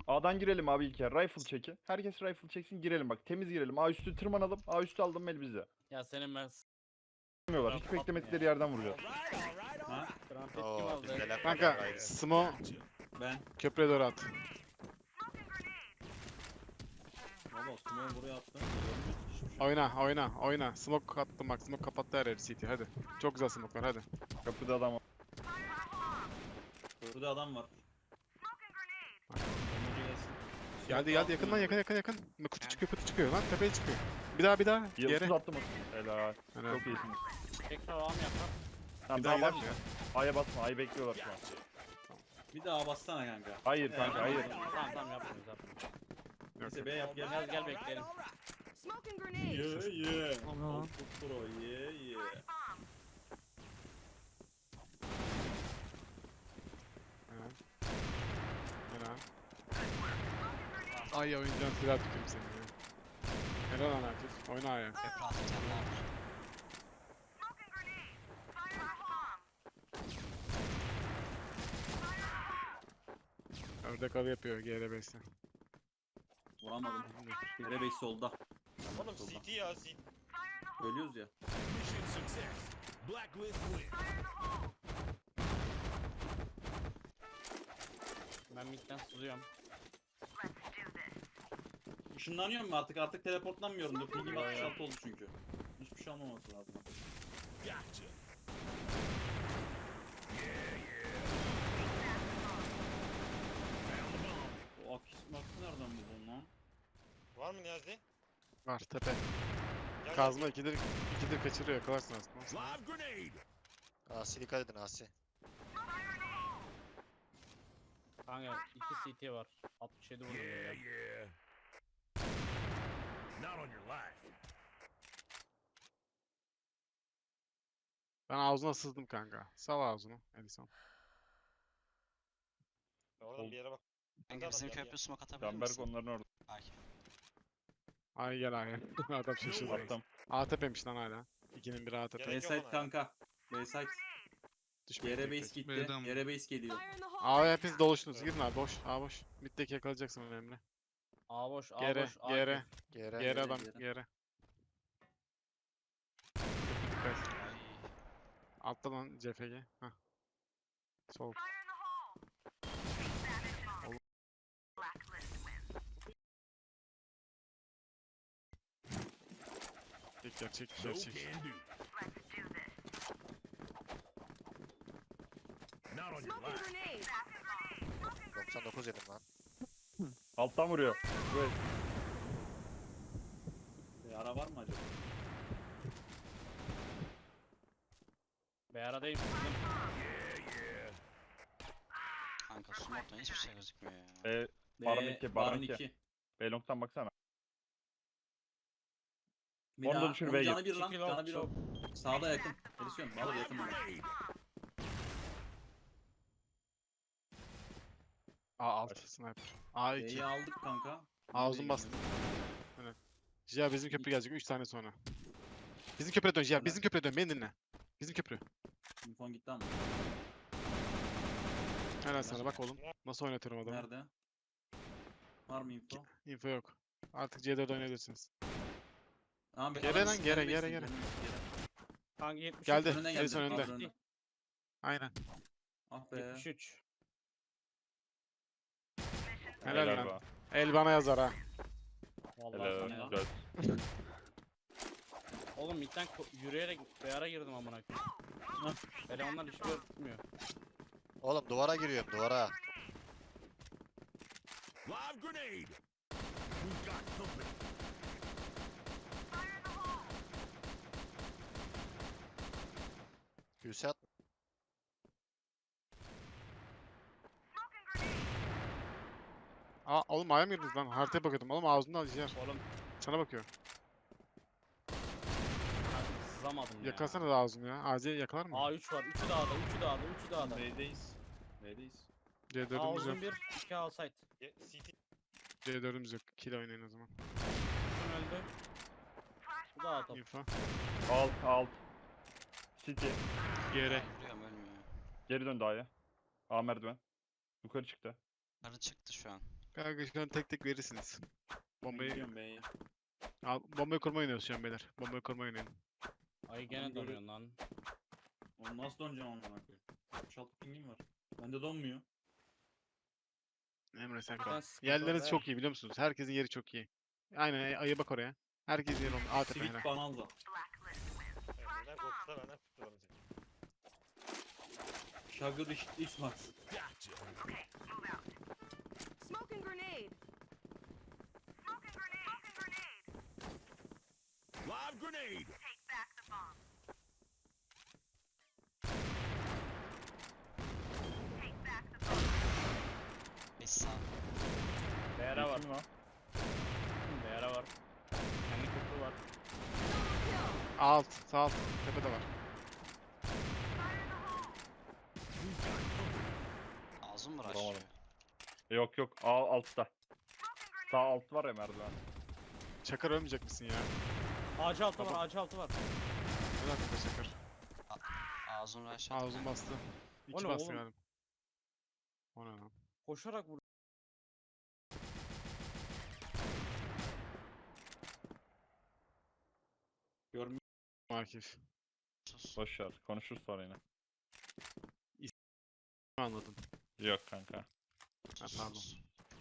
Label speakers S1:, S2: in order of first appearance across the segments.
S1: A'dan girelim abi ilk yer. Rifle çeki. Herkes rifle çeksin girelim bak. Temiz girelim. A üstü tırmanalım. A üstü aldım el bizde.
S2: Ya senin ben
S1: Bilmiyorlar. Hiç
S2: Kapatma
S1: beklemedikleri
S2: ya.
S1: yerden vuracağız.
S3: Ha?
S2: Trumpet kim
S4: Oo,
S2: aldı?
S4: bizdeler
S5: Kanka
S4: gayrı.
S5: Smo
S3: Ben.
S5: köprüye doğru at.
S3: Baba Simon buraya attı.
S5: Oyna. Smoke attım bak. Smoke kapattı her yer CT hadi. Çok güzel smoke'lar hadi.
S1: Kapıda adam var.
S3: Burada adam var.
S5: Geldi yakın. Kutu çıkıyor lan tepeye çıkıyor. Bir daha
S1: Yıldız
S5: yere.
S1: attım. Helal.
S5: Helal.
S1: Çok iyisiniz.
S2: Tekrar ağam yapar.
S1: Tamam
S5: Bir daha
S1: daha
S5: gider mi
S1: basma.
S5: ya?
S1: A'ya basma. A'yı bekliyorlar şu an.
S3: Bir daha bassana kanka.
S1: Hayır kanka hayır.
S2: Tamam yapmıyoruz.
S3: Neyse B yap gel.
S2: Gel bekleyelim.
S6: Smoking grenade.
S3: Yeah.
S5: Tamam.
S3: Old pro yeah.
S5: Helal. Ay oyuncağın silah tutayım seni ya. Helal lan Akif. Oyna A'ya.
S4: Etrafı sen var.
S5: Ördek avı yapıyor GR5'te.
S3: Vuramadım. Nerebey solda.
S4: Oğlum CT ya CT.
S3: Ölüyoruz ya.
S7: Mission success. Blacklist win.
S2: Ben midden sızıyorum.
S3: Işınlanıyor mu artık? Artık teleportlanmıyorum da. Pingim 66 oldu çünkü. Hiçbir şey olmaması lazım.
S7: Gotcha. Found the bomb.
S3: O akis maksı nereden buldun lan?
S4: Var mı Niyazi?
S5: Var tepe.
S4: Gel,
S5: Kazma ikidir kaçırıyor yakalarsın aslında.
S7: Live grenade.
S4: Asi dikkat edin Asi.
S2: Kanka 2 CT var. 67 vurdum
S7: Yeah,
S2: ya.
S7: yeah. Not on your life.
S5: Ben ağzına sızdım kanka. Sal ağzını Edison.
S4: Oradan bir yere bak.
S8: Kanka bizim
S4: Gel,
S8: köprü smoke atabilir
S1: Canberk
S8: misin?
S1: onların orada.
S8: Akif.
S5: Ay gel ay. Adam şaşırdı.
S1: Attım.
S5: A tepemiş lan hala. İkinin biri A tepe.
S4: Gerek yok
S3: B-side
S4: ona.
S3: kanka. B-side.
S5: Düşmeyin
S3: Yere
S5: tek
S3: base
S5: tek.
S3: gitti. Yere base geliyor.
S6: Fire in the hole.
S5: A'ya hepiniz doluştunuz. Girin abi boş. A boş. Mid'deki yakalayacaksın önemli.
S2: A boş, A
S5: Gere,
S2: boş. A
S5: gere.
S4: Geri.
S5: Geri adam
S3: geri.
S5: geri. Köprü dikkat.
S8: Ay.
S5: Altta lan CFG. Hah. Sol. Çek
S7: No
S5: çek.
S7: can do. Not on your
S6: Smoking
S7: life.
S6: grenade.
S4: 99 yedim lan.
S1: Alttan vuruyor. Evet.
S3: Ara var mı acaba?
S2: B aradayım. Sızdım.
S7: Yeah, yeah.
S8: Kanka smoke'tan hiçbir şey gözükmüyor ya.
S1: Baron 2, Baron 2. Belong'tan baksana.
S3: Bir
S1: Onu da
S3: daha.
S1: düşür,
S3: Onun
S1: B'ye
S3: canı
S1: gir.
S3: bir lan.
S2: Çekil
S3: Canı bir o. Sağda yakın. Edisyon. Bağlı yakın. bana.
S7: Grenade.
S5: A alt sniper. A 2.
S3: B'yi aldık kanka.
S5: A uzun bastı. Evet. Jia bizim köprü gelecek 3 saniye sonra. Bizim köprüye dön Jia. Bizim köprüye dön. Beni dinle. Bizim köprü.
S3: Infon gitti ama.
S5: Helal sana bak oğlum. Nasıl oynatıyorum adamı.
S3: Nerede? Var mı info?
S5: Info yok. Artık C4 oynayabilirsiniz.
S3: Tamam, bir
S5: Gere
S3: adam
S5: lan, gere,
S3: beklesin,
S5: gere.
S2: Kanka 73.
S5: Geldi.
S3: Önüne geldi.
S5: Edison önünde.
S3: önünde.
S5: Aynen.
S3: Ah be.
S2: 73.
S5: Helal
S1: Helal
S5: lan.
S1: be.
S5: El bana yazar ha.
S2: Vallahi
S1: Helal.
S2: sana ya.
S1: Güzel.
S2: Oğlum midden yürüyerek B ara girdim amına koyayım. Elemanlar hiçbir yer tutmuyor.
S4: Oğlum duvara giriyorum duvara.
S7: Live grenade. We've got company.
S4: Hüsat.
S5: Aa oğlum A'ya mı girdiniz lan? Haritaya bakıyordum. Oğlum ağzında Jia.
S2: Oğlum
S5: Sana bakıyor.
S2: kanka sızamadım ya.
S5: Yakalasana da ağzını ya. AC yakalar mı?
S2: A3 var. 3'ü dağda, 3'ü dağda, 3'ü dağda.
S3: B'deyiz. B'deyiz.
S2: A
S5: C4'ümüz
S2: uzun
S5: yok.
S2: 1, 2 A site.
S4: CT.
S5: C4'ümüz yok. Kill oynayın o zaman.
S2: Uzun öldü. Bu da A top.
S5: Info.
S1: Alt. City.
S5: Geri.
S8: Ay, vuruyorum ölmüyor.
S1: Geri dön A'ya. A merdiven. Yukarı çıktı.
S8: Karı çıktı şu an.
S5: Kanka şu an tek tek verirsiniz. Bombayı
S3: Gidiyorum B'ye.
S5: bombayı kurma oynuyoruz şu an beyler. Bombayı kurma oynayın.
S2: Ay gene
S3: Oğlum böyle-
S2: donuyorsun lan.
S3: Onu nasıl döneceğim amına koyayım? 66 pingim var. Bende donmuyor.
S5: Emre sen
S2: Buradan
S5: kal.
S2: sıkıntı
S5: Yerleriniz
S2: oldu
S5: çok iyi biliyor musunuz? Herkesin yeri çok iyi. Aynen ayı bak oraya. Herkesin yeri olmuş. ATP
S3: Sivit
S5: helal.
S3: banalda.
S4: Emre'den korksa benden kurtulamayacak.
S3: Şagır X-Max.
S7: Gotcha.
S6: Smoking grenade.
S7: Live grenade.
S8: Bir sağ.
S2: Beyara var.
S1: Kim lan?
S2: Beyara var. Kendi kutu var.
S5: Alt, sağ alt. Tepede var.
S8: Ağzım mı
S1: Vuramadım.
S8: raşlıyor?
S1: Yok yok altta. Sağ alt var ya merdiven.
S5: Çakar ölmeyecek misin ya?
S2: Ağacı altı
S1: Tamam.
S2: var, ağacı altı var.
S5: Ne dakika Çakar?
S8: Ağzım raşlıyor.
S5: Ağzım bastı.
S2: O
S5: İki
S2: ne
S5: bastı
S2: oğlum?
S5: galiba. O ne lan?
S2: Koşarak vur.
S3: Görmüyor.
S5: Akif.
S8: Sus.
S1: Boş ver. Konuşuruz sonra yine.
S5: Anladım.
S1: Yok kanka.
S5: Ha,
S8: Sus,
S5: pardon.
S8: sus.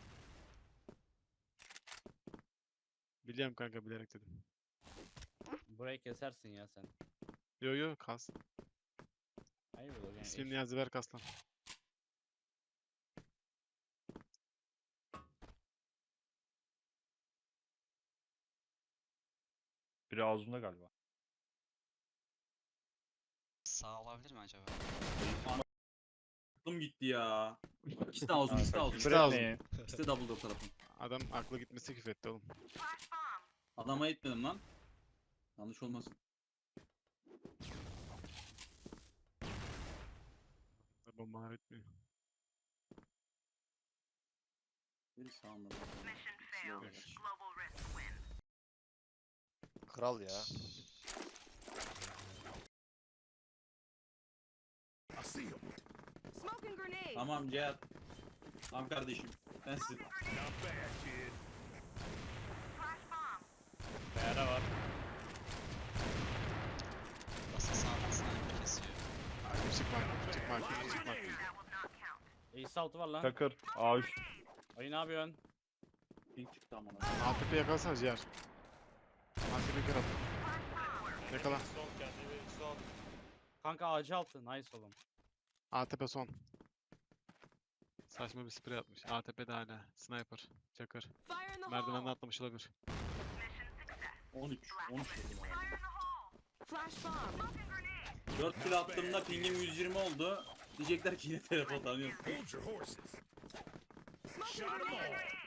S5: Biliyorum kanka bilerek dedim.
S2: Burayı kesersin ya sen.
S5: Yo yo kas.
S2: Hayır bu yani.
S5: İsmini Niyazi ver kaslan.
S1: Biri ağzında galiba.
S8: Sağ olabilir mi acaba?
S3: Aklım gitti ya. İkisi de ağzım, ikisi de ağzım.
S1: Küfür
S5: İşte ağzım.
S1: etmeyin.
S3: İkisi de double door tarafım.
S5: Adam aklı gitmesi küfretti oğlum.
S3: Adama etmedim lan. Yanlış olmasın.
S5: Bombalar etmiyor.
S3: Biri sağında.
S4: Kral ya.
S7: I see him.
S6: Smoking grenade.
S3: Tamam Cihat. Tamam kardeşim. Sensin.
S7: Not bad, kid.
S2: Beyara var.
S8: Basa sağdan sniper kesiyor.
S5: Akif çıkma Akif çıkma Akif çıkma.
S2: Ace altı var lan.
S1: Çakır. A3.
S2: Ay ne yapıyorsun?
S3: Ping çıktı amına.
S5: ATP yakalasana ciğer. ATP kır at. Yakala.
S2: Kanka ağacı altı. Nice oğlum.
S5: ATP son. Saçma bir sprey atmış. ATP de hala. Sniper. Çakır.
S6: Fire in the
S5: Merdivenden
S6: hole.
S5: atlamış olabilir.
S3: 13. 13 dedim ama.
S6: Flash bomb.
S3: 4 kill attığımda pingim 120 oldu. Diyecekler ki yine teleport alıyorsun.
S7: Hold your horses.
S6: Smoking
S7: Shot 'em
S6: grenade.
S7: all.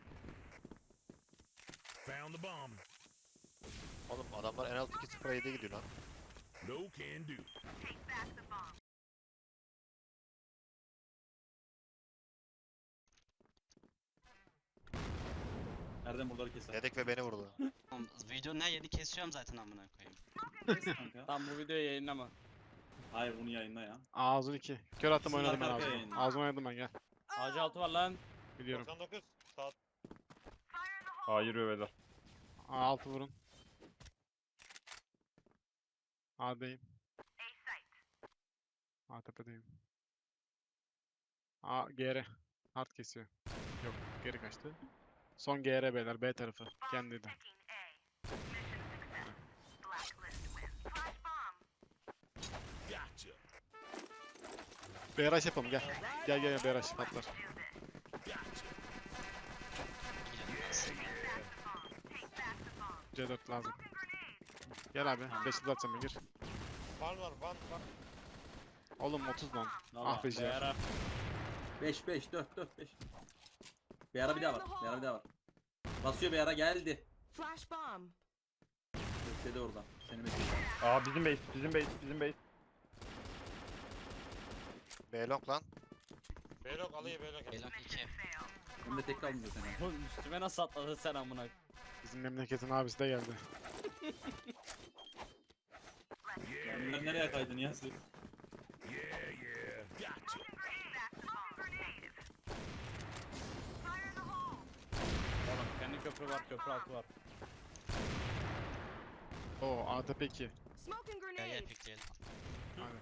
S7: Found the bomb.
S4: Oğlum adamlar en alt 2-0-7'ye gidiyor lan.
S7: No can do.
S3: Nereden buraları keser?
S4: Dedek ve beni vurdu.
S8: Oğlum video ne yedi kesiyorum zaten amına koyayım.
S3: Kes kanka.
S2: Tam bu videoyu yayınlama.
S3: Hayır bunu yayınla ya.
S5: Ağzın 2. Kör attım
S3: İkisini
S5: oynadım ben
S3: arka arkaya
S5: ağzıma.
S3: yayınla.
S5: Ağzıma oynadım ben gel.
S2: Ağacı altı var lan.
S5: Biliyorum.
S4: 99 saat.
S1: Hayır beyler.
S5: A6 vurun. A'dayım. A tepedeyim. A GR. Hard kesiyor. Yok geri kaçtı. Son GR beyler B tarafı. Kendiydi.
S7: Gotcha.
S5: BRH yapalım gel. Gel gel BRH patlar.
S7: Gotcha.
S8: Girelim aslında.
S5: C4 lazım. Gel abi. 5'i atacağım ben gir.
S4: Van var van var.
S5: Oğlum 30 lan.
S3: Valla.
S5: Ah be ciğer.
S2: Beyara.
S3: 5 5 4 4 5. Bir ara bir daha var. Bir ara bir daha var. Basıyor bir ara geldi.
S6: Flash bomb.
S3: Bekledi orada. Seni bekliyor.
S1: Aa bizim base. Bizim base. Bizim base.
S4: B-Long lan. B-Long alayım B-Long.
S8: Belok 2.
S3: Hem de tek kalmıyor seni.
S2: Oğlum üstüme nasıl atladın sen amına?
S5: Bizim memleketin abisi de geldi.
S3: Onlar nereye kaydın ya siz?
S7: Yeah, yeah. Gotcha.
S2: köprü var, köprü altı var.
S5: Oo ATP 2.
S6: Smoking
S8: Gel
S6: grenade.
S8: pikleyelim.
S5: Aynen.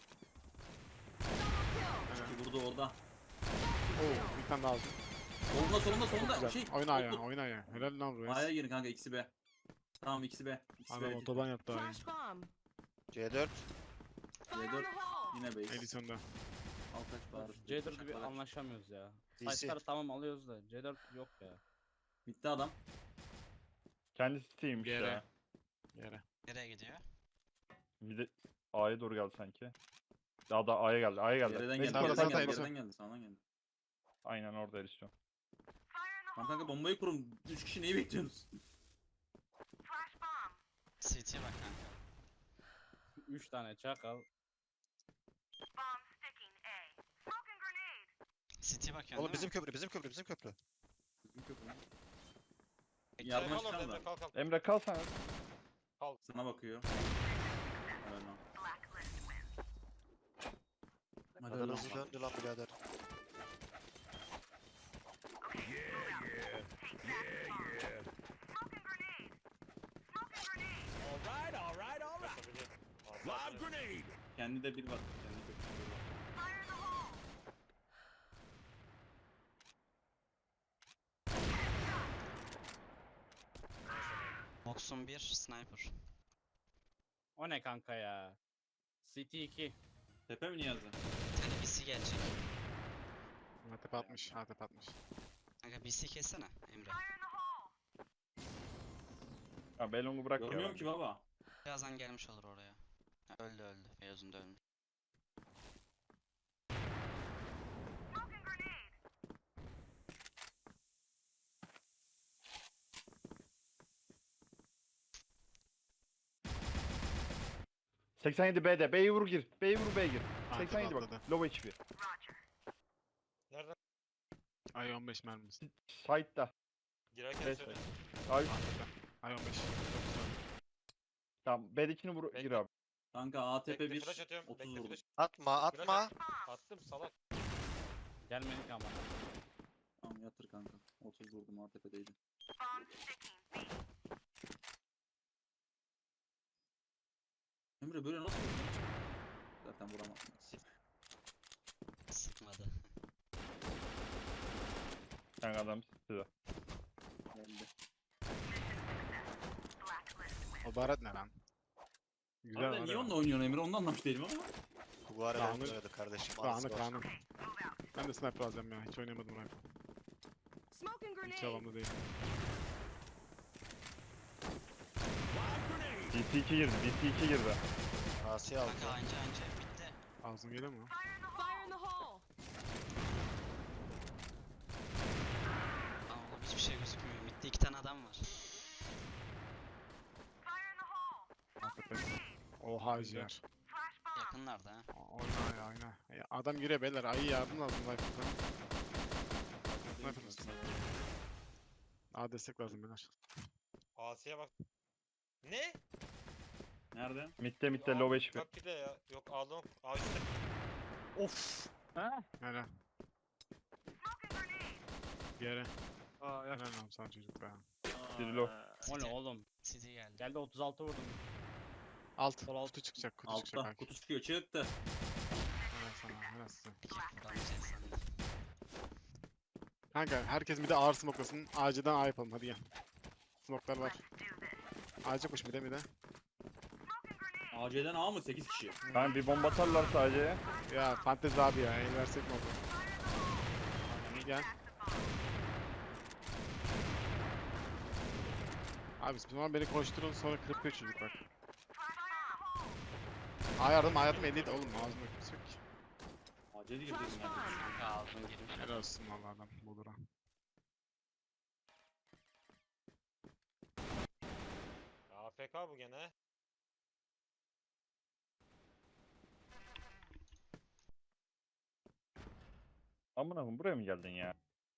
S6: Double kill.
S5: Aynen.
S3: Vurdu orada.
S5: Oo bir tane daha aldım.
S3: Solunda
S5: Çok
S3: solunda.
S5: güzel.
S3: Şey.
S5: Oyna ya,
S3: toplu.
S5: oyna ya. Helal lan
S3: A'ya
S5: buraya.
S3: girin kanka ikisi B. Tamam ikisi B. İkisi
S5: Adam
S3: B.
S5: otoban yaptı abi.
S6: Flash bomb.
S4: C4.
S6: Fire in
S3: C4
S6: the hole.
S3: yine B.
S5: Edition'da.
S3: Al kaç bağırır.
S2: C4'ü bir anlaşamıyoruz ya.
S4: DC.
S2: Site'ları tamam alıyoruz da C4 yok ya.
S3: Bitti adam.
S1: Kendisi Steam'miş
S5: Yere.
S1: ya.
S5: Yere.
S8: Nereye gidiyor?
S1: Bir de A'ya doğru geldi sanki. Daha da A'ya geldi. A'ya geldi.
S3: Geriden
S1: Benim
S3: geldi.
S5: Sağda,
S3: Geriden
S5: sağda,
S3: geldi.
S5: sağda.
S3: Geriden geldi. Sağdan geldi.
S1: Aynen orada erişiyor.
S3: Tamam kanka bombayı kurun. 3 kişi neyi bekliyorsunuz?
S8: CT'ye bak kanka.
S2: 3 tane çakal.
S8: CT'ye bak
S4: Oğlum bizim köprü, bizim köprü, bizim köprü.
S3: Yardıma çıkalım da.
S1: Emre kal sen.
S3: Sana bakıyor. Helal lan. Hadi
S4: Kadar
S3: lan.
S4: hızlı döndü lan birader.
S7: All right. Live grenade.
S3: Kendi de bir bak. Kendi de bir.
S8: Box'un 1 sniper.
S2: O ne kanka ya? City 2.
S3: Tepe mi Niyazi?
S8: Bir tane BC gelecek.
S5: ATP 60. ATP 60.
S8: Kanka BC kessene Emre.
S1: Ya Belong'u bırak ya.
S3: Görmüyorum ki baba.
S8: Birazdan gelmiş olur oraya. Ha, öldü öldü. Beyazın da ölmüş.
S1: bence. 87 B'de. B'yi vur gir. B'yi vur B'ye gir.
S5: Arkadan
S1: 87 bak.
S5: atladı.
S1: Low HP.
S5: Ay 15 mermisi.
S1: Side'da.
S9: Girerken
S1: B
S9: söyle.
S1: side. Ay,
S5: Ay 15. Çok güzel.
S1: tamam B'dekini vur gir
S9: Bekle.
S1: abi.
S3: Kanka ATP
S9: Bekle
S3: 1.
S9: flash atıyorum.
S3: 30
S9: Bekle
S3: vurdum.
S9: flash.
S4: Atma, atma.
S9: Attım salak.
S2: Gelmedik ama.
S3: Tamam yatır kanka. 30 vurdum ATP'deydi. Emre böyle nasıl vurdun? Zaten vuramazsın.
S8: Sıkmadı.
S1: Sen adam size.
S3: Geldi.
S5: O baharat ne lan? Güzel
S3: Harbiden
S5: var
S3: niye
S5: ya.
S3: onunla oynuyorsun Emre? Onu da anlamış değilim ama.
S4: Bu arada
S5: Dağınık-
S4: oynadı kardeşim.
S5: Dağınık
S4: Ağzı var.
S5: dağınık. Ben de sniper alacağım ya. Hiç oynamadım rifle.
S6: Smoking
S5: Hiç
S6: grenade.
S5: havamda değil.
S7: Live grenade.
S1: DC2 girdi. DC2 girdi.
S4: Asi aldı.
S8: Kanka anca bitti.
S5: Ağzım geliyor mu?
S6: Fire in the hole.
S8: Aa oğlum hiçbir şey gözükmüyor. Midde 2 tane adam var.
S5: ATP. Oha ciğer.
S8: Yakınlarda ha.
S5: Oyna ya oyna. Ya adam giriyor beyler. Ayı yardım lazım rifle'dan. Sniper mısın? Aa destek lazım beyler.
S9: Asiye bak. Ne?
S3: Nerede?
S1: Mid'de low HP.
S9: Bak bir de ya. Yok aldım. Aa üstte.
S2: Of. Ha?
S5: Helal. Bir yere. Aa helal lan sana çocuk be.
S1: Biri low.
S2: O ne oğlum?
S8: CD geldi.
S2: Geldi 36 vurdum.
S5: Alt.
S2: Sol alt.
S5: Kutu çıkacak. Kutu çıkacak
S3: Altta.
S5: belki.
S3: Kutu çıkıyor. Çıktı.
S5: Helal sana. Helal size.
S8: Vuramayacak sandım.
S5: Kanka herkes bir de ağır smoklasın. Ağacıdan A yapalım hadi gel. Smoklar var. Ağaç yokmuş bir de.
S3: AC'den A mı? 8 kişi.
S1: Ben bir bomba atarlar sadece.
S5: Ya fantezi abi ya. El versek mi oldu? İyi gel. Abi siz zaman beni koşturun sonra kırpıyor çocuk bak. A yardım elli oğlum ağzımda kimse yok ki.
S3: AC'de girdi.
S6: Flash
S3: yani.
S6: bomb.
S8: Kanka ağzım girmiş.
S5: Helal olsun valla adam bulur ha.
S9: AFK bu gene.
S1: Amına koyayım buraya mı geldin ya?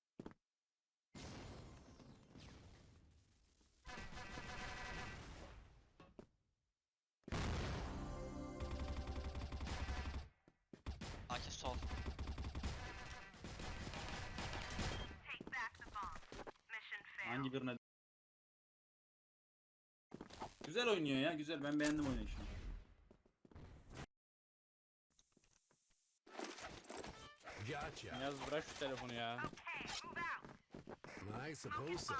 S8: Akif sol.
S3: Anca Hangi birine? Güzel oynuyor ya, güzel. Ben beğendim oynayışını.
S7: Gotcha.
S2: Yaz bırak şu telefonu ya.
S7: I suppose so.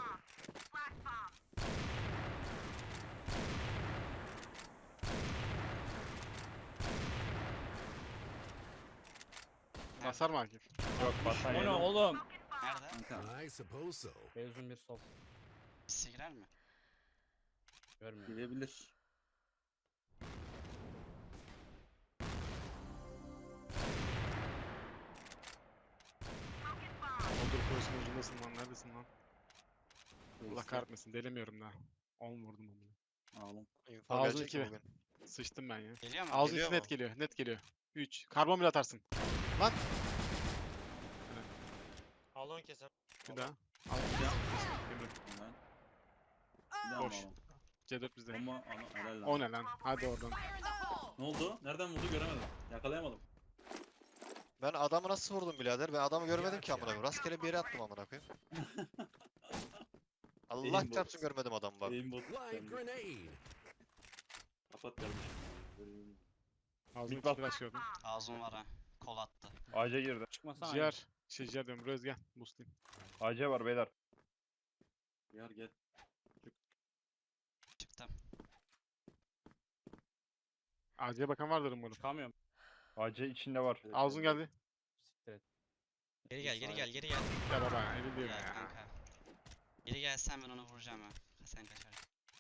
S5: Basar mı Akif?
S1: Yok basan
S2: O ne
S1: yedim.
S2: oğlum?
S8: Nerede?
S3: Kanka,
S7: I suppose so.
S2: Beyzun bir sol.
S8: Birisi girer mi?
S2: Görmüyorum.
S3: girebilir.
S5: Olur koyusun ucundasın lan. Neredesin lan? Allah
S3: Neyse,
S5: kahretmesin. Delemiyorum daha. 10 vurdum onu.
S3: Ağlam.
S4: Info
S5: Ağzını
S4: gelecek mi
S5: iki
S4: bugün?
S5: Sıçtım ben ya.
S8: Geliyor mu?
S5: Ağzın
S4: Geliyor
S5: içi net
S4: mu?
S5: geliyor. Net geliyor. 3. Karbon bile atarsın. Lan.
S9: Alon kesem.
S5: Bir daha. Al.
S3: Bir daha.
S5: Emre.
S3: Helal. Bir daha mı
S5: Boş.
S3: ağlam?
S5: C4 bizde.
S3: Bomba ağlam. Helal lan.
S5: O ne lan? Hadi oradan.
S6: Fire in the hole!
S3: Ne oldu? Nereden vurdu göremedim. Yakalayamadım.
S4: Ben adamı nasıl vurdum birader? Ben adamı görmedim ki amına koyayım. Rastgele bir yere attım amına koyayım. Allah
S3: Aimbot.
S4: çarpsın görmedim adamı bak.
S3: Aimbot.
S7: Live grenade.
S3: Kapat kardeşim.
S5: Ağzını
S1: Big
S5: içi flash gördüm.
S8: Ağzım var ha. Kol attı.
S1: AC girdi.
S2: Çıkmasana.
S5: Ciğer. Ciğer diyorum. Röz gel. Boostlayayım.
S1: AC var beyler.
S3: Yar gel.
S8: Çıktım.
S5: Ağzıya bakan vardır umarım.
S2: Çıkamıyorum.
S1: AC içinde var.
S5: Ağzın geldi.
S2: Siktir et.
S8: Geri gel, geri gel, geri gel.
S5: Ya baba. Emin değilim
S8: Gel
S5: ya.
S8: kanka. Geri gelsen ben onu vuracağım ha. Sen kaçar.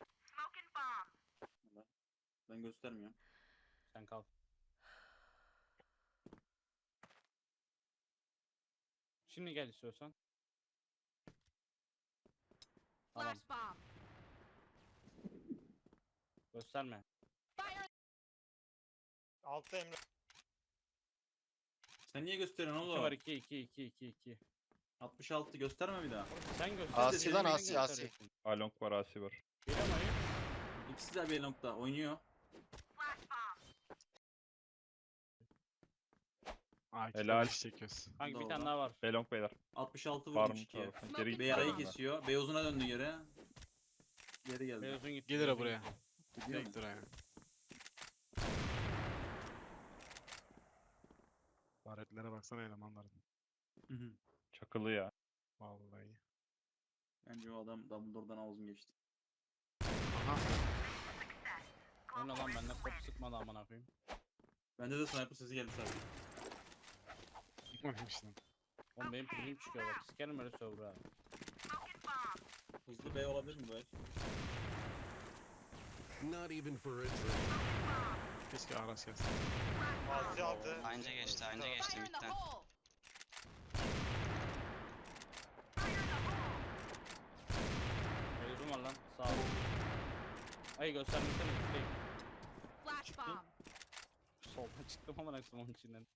S3: Ben göstermiyorum.
S2: Sen kal. Şimdi gel istiyorsan. Tamam.
S6: Flash bomb!
S2: Gösterme.
S6: Fire!
S9: Altta Emre.
S3: Sen niye gösteriyorsun
S2: 2 var
S3: oğlum?
S2: 2 2 2 2 2.
S3: 66 gösterme bir daha.
S2: Sen göster.
S4: Asi lan,
S2: Sen
S4: Asi, Asi.
S2: gösteriyorsun.
S1: Along var, AC var.
S2: Geliyor mu ayı?
S3: İkisi de bir nokta oynuyor.
S5: Akif
S1: Helal.
S5: iş çekiyoruz.
S2: Kanka bir
S3: Doğru.
S2: tane daha var.
S1: Belong beyler.
S3: 66
S1: Var
S3: vurmuş
S1: mı
S3: 2'ye.
S1: tarafın? Geri
S3: Beyara'yı
S1: gitti.
S3: kesiyor. Beyozuna döndü geri. Geri geldi.
S2: Beyazın gitti.
S5: Gelir
S2: Beyazın
S5: ha buraya.
S2: gitti.
S3: Gidiyor mu?
S5: Tek duraya. Baretlere baksana elemanların.
S3: Hı hı.
S1: Çakılı ya.
S5: Vallahi.
S3: Bence o adam Dumbledore'dan ağzım geçti.
S5: Aha.
S2: O ne lan bende kop sıkmadı amına koyayım.
S3: Bende de sniper sesi geldi sadece.
S5: Çıkmamış lan.
S2: Oğlum benim pilim çıkıyor bak. Sikerim öyle server abi.
S3: Hızlı B olabilir mi bu el?
S7: Not even for a drink.
S5: Keşke Aras gelsin.
S9: Asi aldı.
S8: Anca geçti, anca geçti
S6: Fire in the
S8: midden.
S6: hole!
S2: Beyazın var lan. Sağ ol. Ay göstermesene üstteyim.
S6: Flash bomb!
S2: Soldan çıktım amına koyayım onun içinden.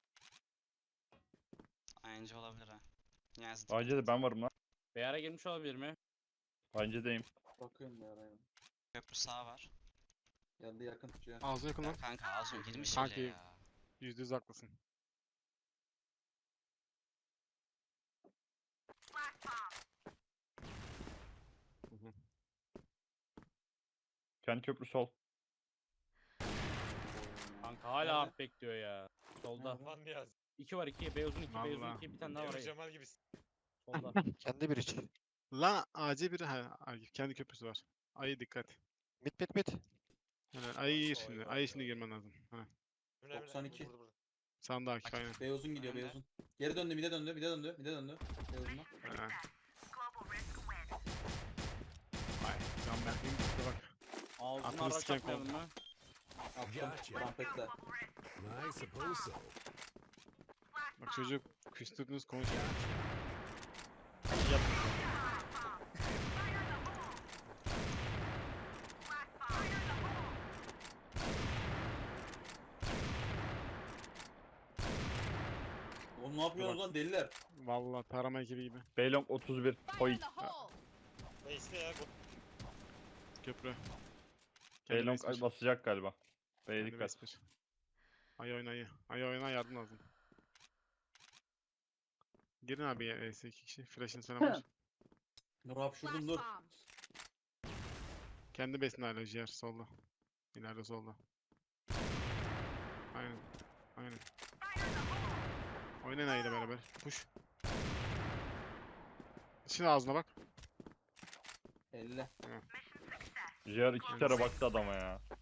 S8: Anca olabilir ha. Niyazi
S1: AC de ben varım lan.
S2: Beyara girmiş olabilir mi?
S1: AC'deyim.
S3: Bakıyorum ya araya.
S8: köprü sağ var.
S3: Geldi yakın tutuyor.
S5: Ağzına yakın
S8: Ya
S5: lan.
S8: kanka ağzım girmiş
S5: Kanki.
S8: bile ya.
S5: %100 haklısın. Hı hı.
S1: Kendi köprü sol.
S2: Kanka hala hak bekliyor ya. Solda.
S9: Aman Niyazi.
S2: 2 var 2. Beyazın 2. Beyazın
S5: Vallahi.
S2: 2. Bir tane daha var
S9: Emre
S2: ayı.
S9: Cemal gibisin.
S2: Solda.
S4: Kendi bir iç.
S5: Lan AC biri ha Akif kendi köprüsü var. Ayı dikkat.
S4: Mit.
S5: Yani ayı gir
S9: Oy,
S5: şimdi.
S9: oy,
S5: Ayı
S9: oy.
S5: şimdi girmen lazım. Ha.
S9: Emre, Emre,
S3: 92.
S9: burada.
S5: Sağında Akif aynen.
S3: Beyozun gidiyor
S8: Önde.
S3: Beyozun. Geri döndü, bir de döndü, bir de döndü, bir de döndü. Beyozundan.
S5: Ha. Ay can Berk'in gitti bak.
S2: Ağzını
S5: Akıllı
S2: araç
S5: siken
S2: atmayalım mı?
S3: Attım.
S7: Gotcha.
S3: Rampette.
S7: I suppose so.
S5: Bak çocuk küstürdünüz konuşuyor.
S3: Oğlum ne yapıyorsunuz lan deliler?
S5: Vallahi tarama ekibi gibi.
S1: Belong 31.
S6: Fire in
S1: Point.
S6: the hole!
S9: Neyse ya.
S5: Köprü. Kendi
S1: Belong
S5: base bir.
S1: basacak galiba. B'ye
S5: Kendi
S1: dikkat.
S5: base bir. Ayı oyna ayı. Ayı oyna yardım lazım. Girin abi ya ES 2 kişi. Flash'ın sana var.
S3: Dur
S6: Flash
S3: hapşurdum dur.
S6: bomb.
S5: Kendi besini hala ciğer solda. İleride solda. Aynen. Aynen. Oynayın ayıyla beraber. Push. Şimdi ağzına bak.
S3: 50.
S1: Jer 2 kere baktı adama ya.